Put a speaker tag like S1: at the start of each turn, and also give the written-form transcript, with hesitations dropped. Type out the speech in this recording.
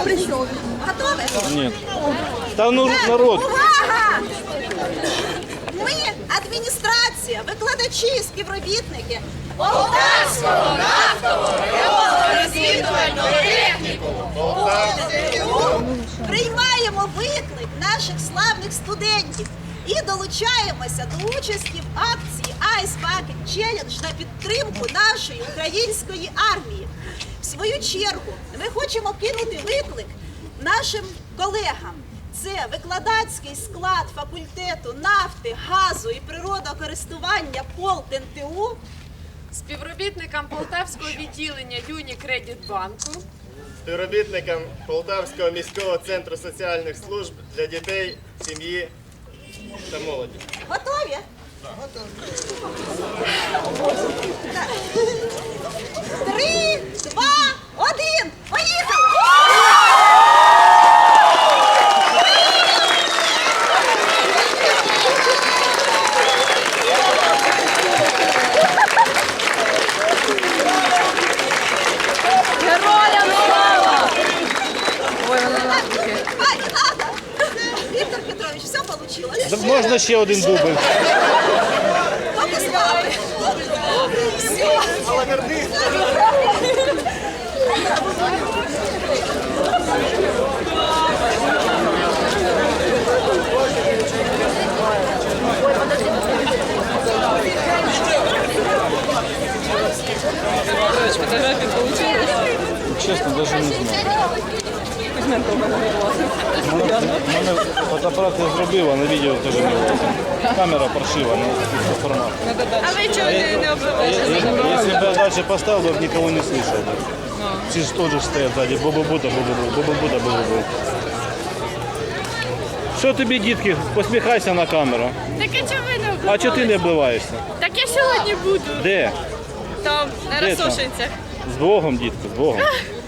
S1: Готові?
S2: Нет. Там народ.
S1: Увага! Ми, адміністрація, викладачі, співробітники Полтавського нафтового геолого-розвідувального технікуму приймаємо виклик наших славних студентів і долучаємося до участі в акції Ice Bucket Challenge на підтримку нашої української армії. В свою чергу ми хочемо кинути виклик нашим колегам. Це викладацький склад факультету нафти, газу і природокористування ПолтНТУ,
S3: співробітникам Полтавського відділення Юнікредитбанку,
S4: співробітникам Полтавського міського центру соціальних служб для дітей, сім'ї та молоді.
S1: Готові? Готові. 3, 2, 1, поїхали!
S3: героям слава! Ой, вона
S1: А, не надо! Віктор Петрович, все получилось.
S2: Да можна ще один дубль.
S1: Попускали. Все.
S3: фотографії получились.
S2: Чесно, навіть не знаю. Мене фотоапарат я зробив, а на відео теж не було. Камера паршива, не формат.
S3: А ви чого не обзиваєте?
S2: Если бы я дальше поставил, я бы никого не слышал. Все же тоже стоят сзади. Бу-бу-бута, бу-бу-бу, бу-бу-бута, бу-бу-бу. Що тобі, дітки, посміхайся на камеру.
S3: Так а чого ви не
S2: А
S3: обливаєте?
S2: чого ти не обливаєшся?
S3: Так я сьогодні буду.
S2: Де?
S3: Там, на
S2: Де там?
S3: Росошинцях.
S2: З Богом, дітки, з Богом.